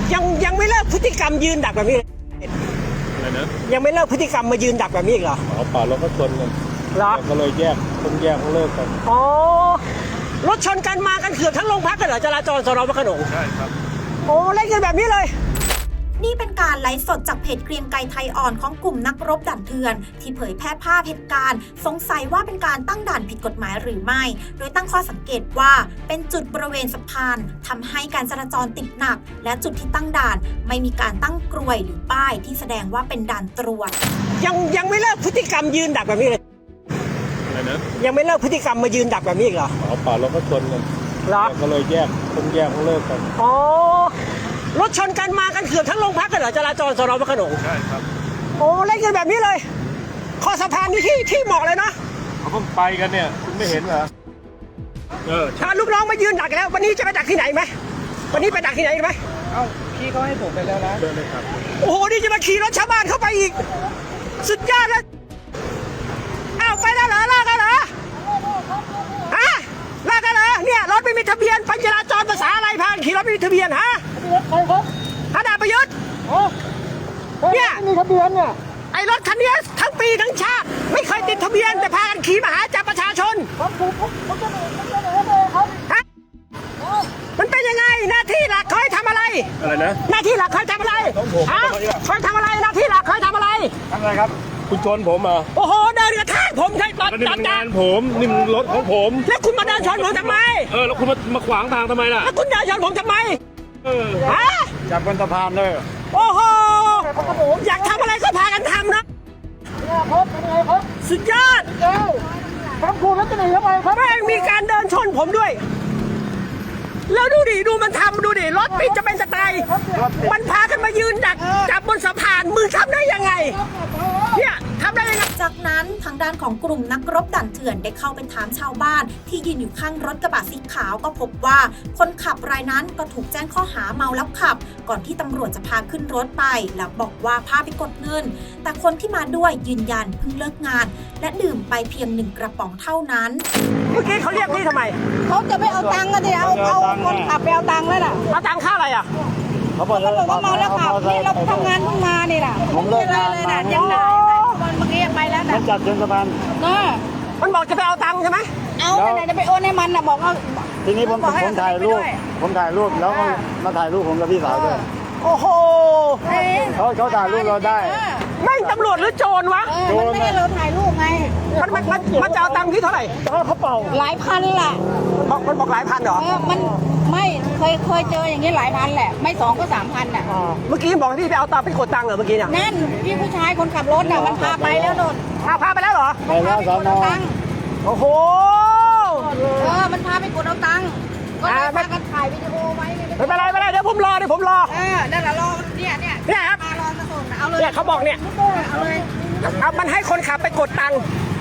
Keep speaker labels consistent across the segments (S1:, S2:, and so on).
S1: ยังไม่เลิกพฤติกรรมยืนดักแบบนี้
S2: อะไรนะ
S1: ยังไม่เลิกพฤติกรรมมายืนดักแบบนี้อีกเหรอ
S2: เปล่าเราก็ชนกัน
S1: เหรอ
S2: ก็เลยต้องแยกเลิกกัน
S1: อ๋อรถชนกันมากันเกือบทั้งโรงพักกันเหรอจราจรสน.พระโขนง
S2: ใช่ครับ
S1: โอ้เล่นกันแบบนี้เลย
S3: นี่เป็นการไลฟ์สดจากเพจเกรียงไกรไทยอ่อนของกลุ่มนักรบด่านเถื่อนที่เผยแพร่ภาพเหตุการณ์สงสัยว่าเป็นการตั้งด่านผิดกฎหมายหรือไม่โดยตั้งข้อสังเกตว่าเป็นจุดบริเวณสะพานทำให้การจราจรติดหนักและจุดที่ตั้งด่านไม่มีการตั้งกลวยหรือป้ายที่แสดงว่าเป็นด่านตรวจ
S1: ยังไม่เลิกพฤติกรรมยืนดักแบบนี้เลย
S2: อะไรนะ
S1: ยังไม่เลิกพฤติกรรมมายืนดักแบบนี้อีกเหรอ
S2: เปล่าเราก็ชนกัน
S1: เหรอ
S2: ก็เลยต้องแยกเลิกกัน
S1: อ๋อรถชนกันมากันเกือบทั้งโรงพักกันเหรอจราจรสน.พระโขนง
S2: ใช่ครับ
S1: โอ้เล่นกันแบบนี้เลยคอสะพานนี่ที่เหมาะเลยนะ
S2: เขาเพิ่งไปกันเนี่ยคุณไม่เห็นเหรอ
S1: ถ้าลูกน้องมายืนดักแล้ววันนี้จะไปดักที่ไหนไหมวันนี้ไปดักที่ไหนไหม
S4: เอ้าพี่เขาให้ผมไปแล้วนะ
S2: เดินเลยครับ
S1: โอ้โหนี่จะมาขี่รถชาวบ้านเข้าไปอีกสุดยอดเลยอ้าวไปแล้วเหรอลากกันเหรอฮะลากกันเหรอเนี่ยรถไม่มีทะเบียนปัญจราจรภาษาอะไรพานขี่รถไม่มีทะเบียนฮะ
S4: ใครครับ
S1: ฮะดาบประยุทธ์เนี่ย
S4: มีทะเบียนเนี่ย
S1: ไอ้รถคันนี้ทั้งปีทั้งชาติไม่เคยติดทะเบียนแต่พากันขี่มาหาจับประชาชน
S4: ผมจะหนีครับ
S1: ฮะมันเป็นยังไงหน้าที่หลักเขาให้ทำอะไร
S2: นะ
S1: หน้าที่หลักเขาทำอะไรฮะเขาทำอะไรหน้าที่หลักเขาทำอะไร
S2: ครับคุณชนผมอ่ะ
S1: โอ้โหเดินกระแทกผมใช่ตอน
S2: งานผมนี่มันรถของผม
S1: แล้วคุณมาเดินชนผมทำไม
S2: แล้วคุณมาขวางทางทำไมล่ะ
S1: แล้วคุณเดินชนผมทำไมฮะ
S2: จับบนสะพานเลย
S1: โอ้โหอยากทำอะไรก็พากันทำนะสุดยอด
S4: ครับคุณแล้วจะหนีทำไมครับ
S1: แม่งมีการเดินชนผมด้วยแล้วดูดิดูมันทำดูดิรถปิดจะเป็นสไตล์มันพากันมายืนดักจับบนสะพานมือทำได้ยังไงเนี่ยทำได้ยังไง
S3: จากนั้นทางด้านของกลุ่มนักรบด่านเถื่อนได้เข้าไปถามชาวบ้านที่ยืนอยู่ข้างรถกระบะสีขาวก็พบว่าคนขับรายนั้นก็ถูกแจ้งข้อหาเมาแล้วขับก่อนที่ตำรวจจะพาขึ้นรถไปแล้วบอกว่าพาไปกดเงินแต่คนที่มาด้วยยืนยันเพิ่งเลิกงานและดื่มไปเพียง1กระป๋องเท่านั้น
S1: เมื่อกี้เขาเรียกพี่ทำไม
S4: เขาจะไม่เอาตังค์กันดิเอาคนขับไปเอาตังค์แล้วน่ะ
S1: เอาตังค่าอะไรอ่ะ
S4: เขาบอกว่าเมาแล้วขับนี่เราทำงานเพิ่งมานี่น่ะผมเลิกงานเลยน่ะยังไงวันเมื่อกี้ไปแล้วน่ะ
S2: มันจัดจนสะพาน
S1: มันบอกจะไปเอาตังค์ใช่ไหม
S4: เอาไหนจะไปโอนให้มันน่ะบอกว่า
S2: ทีนี้ผมถ่ายรูปแล้วก็มาถ่ายรูปผมกับพี่สาวด้วย
S1: โอ้โห
S2: เขาถ่ายรูปเราได้
S1: ไม่ตำรวจหรือโจรวะ
S4: มันไม่ให้เราถ่ายรูปไง
S1: มันจะเอาตังค์ที่เท่าไหร่
S2: เขาเป่า
S4: หลายพันแหละ
S1: มันบอกหลายพันเหรอ
S4: มันไม่เคยเจออย่างนี้หลายพันแหละไม่2ก็3,000น่ะ
S1: เมื่อกี้บอกที่ไปเอาตังค์ไปกดตังค์เหรอเมื่อกี้เนี่ย
S4: นั่นพี่ผู้ชายคนขับรถน่ะมันพาไปแล้วโดน
S1: พาไปแล้วเหรอ
S2: ไปแล้วสอนอ
S1: โอ้โห
S4: มันพาไปกดเอาตังค์ก็เลยพากันถ่ายวิดีโอไว้
S1: ไม่เป็นไรเดี๋ยวผมรอ
S4: นั่นแหละรอเนี่ย
S1: ครับ
S4: มารอมาส่งเอาเลย
S1: เนี่ยเขาบอกเนี่ย
S4: เอาเลย
S1: เอามันให้คนขับไปกดตังค์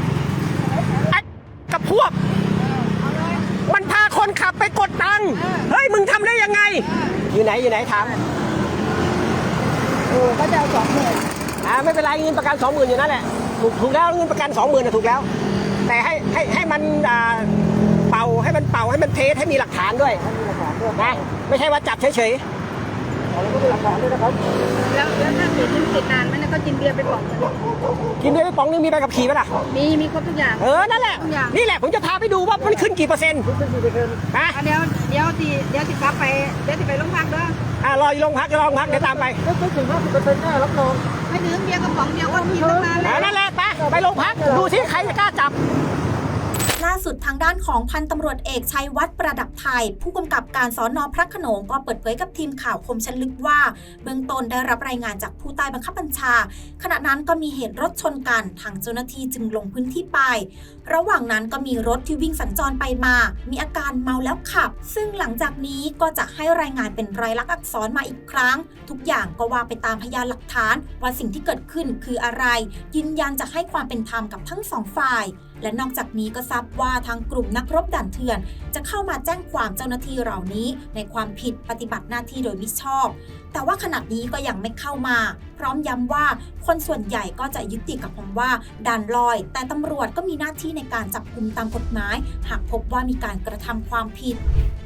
S1: กับพวกมันพาคนขับไปกดตังค์เฮ้ยมึงทำได้ยังไงอยู่ไหนถาม
S4: ก็จะเอา20,000
S1: ไม่เป็นไรเงินประกัน 20,000อยู่นั่นแหละถูกแล้วเงินประกัน 20,000น่ะถูกแล้วแต่ให้มันเป่าให้มันเทสให้มีหลักฐานด้วยนะไม่ใช่ว่าจับเฉย
S4: แล้วก็มีหลักฐานด้วยนะครับแล้วถ้าติดนานไหมเนี่ยก็กินเบียร์ไปป๋อง
S1: กินเบียร์ไปป๋องนึงมีใบขับขี่ป่ะล่ะ
S4: มีครบทุกอย่าง
S1: นั่นแหละนี่แหละผมจะพาไปดูว่ามันขึ้นกี่เปอร์เซ็นต์
S4: ฮะเดี๋ยวติกลับไปเดี๋ยวติไปโรงพักด้วย
S1: รออยู่โรงพักเดี๋ยวตามไป
S4: ไม่ถึง50%แน่รับรองไม่ถึงเบียร์กระป๋องเดียวก็ผิดตั้งนานแล้ว
S1: นั่นแหละไปโรงพักดูสิใครจะกล้าจับ
S3: ล่าสุดทางด้านของพันตำรวจเอกชัยวัฒน์ประดับไทยผู้กำกับการสน.พระโขนงก็เปิดเผยกับทีมข่าวคมชันลึกว่าเบื้องต้นได้รับรายงานจากผู้ใต้บังคับบัญชาขณะนั้นก็มีเหตุรถชนกันทางเจ้าหน้าที่จึงลงพื้นที่ไประหว่างนั้นก็มีรถที่วิ่งสัญจรไปมามีอาการเมาแล้วขับซึ่งหลังจากนี้ก็จะให้รายงานเป็นรายลักษณ์อักษรมาอีกครั้งทุกอย่างก็ว่าไปตามพยานหลักฐานว่าสิ่งที่เกิดขึ้นคืออะไรยืนยันจะให้ความเป็นธรรมกับทั้งสองฝ่ายและนอกจากนี้ก็ทราบว่าทางกลุ่มนักรบด่านเถื่อนจะเข้ามาแจ้งความเจ้าหน้าที่เหล่านี้ในความผิดปฏิบัติหน้าที่โดยมิชอบแต่ว่าขณะนี้ก็ยังไม่เข้ามาพร้อมย้ำว่าคนส่วนใหญ่ก็จะยึดติดกับคำว่าด่านลอยแต่ตำรวจก็มีหน้าที่ในการจับกุมตามกฎหมายหากพบว่ามีการกระทำความผิด